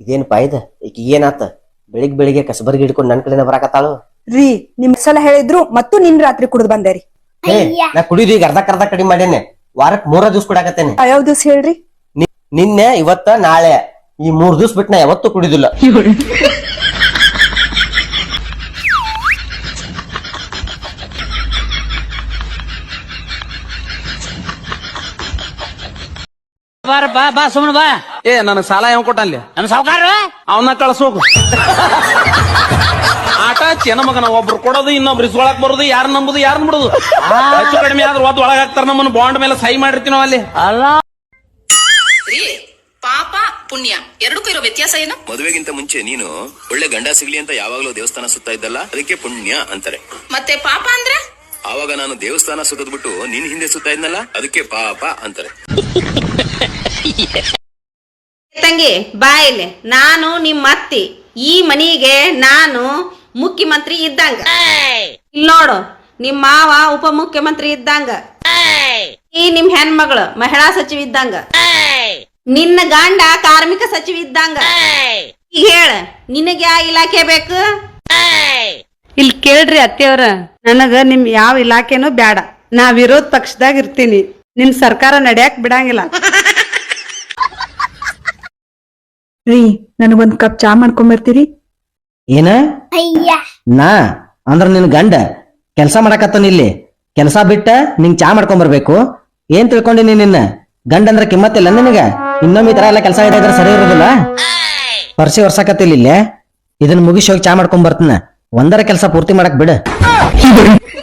ಇದೇನಪ್ಪ ಇದ ಈಗ ಏನಾತ ಬೆಳಿಗ್ಗೆ ಕಸಬರ್ಗಿ ಹಿಡ್ಕೊಂಡು ನನ್ ಕಡೆನ ಬರಾಕತ್ತಾಳು. ರೀ ನಿಮ್ ಸಲ ಹೇಳಿದ್ರು ಮತ್ತು ನಿನ್ ರಾತ್ರಿ ಕುಡ್ದು ಬಂದೇರಿ. ನಾ ಕುಡಿದು ಈಗ ಅರ್ಧ ಕಡಿಮೆ ಮಾಡೇನೆ. ವಾರಕ್ 3 ದಿವ್ಸ ಕುಡಾಕತ್ತೇನೆ. ಯಾವ ದಿವ್ಸ ಹೇಳ್ರಿ? ನಿನ್ನೆ ಇವತ್ತ ನಾಳೆ ಈ 3 ದಿವ್ಸ ಬಿಟ್ಟು ನಾ ಯಾವತ್ತೂ ಕುಡಿದಿಲ್ಲ. ಬಾ ಸುಮ್ಮನೆ ಬಾ. ನನಗ್ ಸಾಲ ಯಾವ ಕೊಟ್ಟಲ್ಲಿ? ನಮ್ ಸಾವುಕಾರ ಅವನ್ನ ಕಳ್ಸೋಗು. ಆಟ ಚೆನ್ನ ಮಗನ, ಒಬ್ರು ಕೊಡೋದು ಇನ್ನೊಬ್ರು ಇಸ್ಕೊಳಕ್ ಬರೋದು, ಯಾರು ನಂಬುದು ಯಾರು ಬಿಡುದು. ಹೆಚ್ಚು ಕಡಿಮೆ ಆದ್ರೂ ಒದ್ ಒಳಗಾಗ್ತಾರ, ನಮ್ಮನ್ನ ಬಾಂಡ್ ಮೇಲೆ ಸಹಿ ಮಾಡಿರ್ತೀವಿ ನಾವ್ ಅಲ್ಲಿ. ಅಲ್ಲ ಪಾಪ ಪುಣ್ಯ ಎರಡಕ್ಕೂ ಇರೋ ವ್ಯತ್ಯಾಸ ಏನು? ಮದುವೆಗಿಂತ ಮುಂಚೆ ನೀನು ಒಳ್ಳೆ ಗಂಡ ಸಿಗ್ಲಿ ಅಂತ ಯಾವಾಗ್ಲೂ ದೇವಸ್ಥಾನ ಸುತ್ತಾ ಇದ್ದಲ್ಲ, ಅದಕ್ಕೆ ಪುಣ್ಯ ಅಂತಾರೆ. ಮತ್ತೆ ಪಾಪ ಅಂದ್ರೆ ಆವಾಗ ನಾನು ದೇವಸ್ಥಾನ ಸುತ್ತದ್ಬಿಟ್ಟು ನಿನ್ ಹಿಂದೆ ಸುತ್ತಾ ಇದ್ನಲ್ಲ, ಅದಕ್ಕೆ ಪಾಪ ಅಂತಾರೆ. ತಂಗಿ ಬಾ ಇಲ್ಲಿ. ನಾನು ನಿಮ್ಮ ಅತ್ತಿ, ಈ ಮನಿಗೆ ನಾನು ಮುಖ್ಯಮಂತ್ರಿ ಇದ್ದಂಗ. ಇಲ್ಲಿ ನೋಡು, ನಿಮ್ ಮಾವ ಉಪ ಮುಖ್ಯಮಂತ್ರಿ ಇದ್ದಂಗ, ಈ ನಿಮ್ ಹೆಣ್ಮಗಳು ಮಹಿಳಾ ಸಚಿವ ಇದ್ದಂಗ, ನಿನ್ನ ಗಂಡ ಕಾರ್ಮಿಕ ಸಚಿವ ಇದ್ದಂಗ. ಈಗ ಹೇಳ, ನಿನಗೆ ಯಾವ ಇಲಾಖೆ ಬೇಕು? ಇಲ್ಲಿ ಕೇಳ್ರಿ ಅತ್ತೆಯವ್ರ, ನನಗ ನಿಮ್ ಯಾವ ಇಲಾಖೆನೂ ಬ್ಯಾಡ. ನಾ ವಿರೋಧ ಪಕ್ಷದಾಗ ಇರ್ತೀನಿ. ನಿಮ್ ಸರ್ಕಾರ ನಡ್ಯಾಕ್ ಬಿಡಂಗಿಲ್ಲ. ರೀ ನನಗೊಂದ್ ಕಪ್ ಚಾ ಮಾಡ್ಕೊಂಬರ್ತೀರಿ? ಏನ ನಾ ಅಂದ್ರ ನಿನ್ ಗಂಡ ಕೆಲ್ಸ ಮಾಡಕತ್ತಾನ ಇಲ್ಲಿ. ಕೆಲ್ಸ ಬಿಟ್ಟ ನಿಂಗ್ ಚಾ ಮಾಡ್ಕೊಂಡ್ ಬರ್ಬೇಕು? ಏನ್ ತಿಳ್ಕೊಂಡಿನಿ ನಿನ್ನ ಗಂಡ ಅಂದ್ರ ಕಿಮ್ಮತ್ತಿಲ್ಲ ನಿನಗ? ಇನ್ನೊಮ್ಮೆ ಈ ತರ ಎಲ್ಲ ಕೆಲಸ ಇದ್ರೆ ಸರಿ ಇರೋದಿಲ್ಲ. ಪರ್ಸಿ ವರ್ಷಕತ್ತಿಲ್ಲ ಇಲ್ಲೇ. ಇದನ್ನ ಮುಗಿಸಿ ಹೋಗಿ ಚಾ ಮಾಡ್ಕೊಂಡ್ ಬರ್ತೀನ. ಒಂದರ ಕೆಲಸ ಪೂರ್ತಿ ಮಾಡಕ್ ಬಿಡ.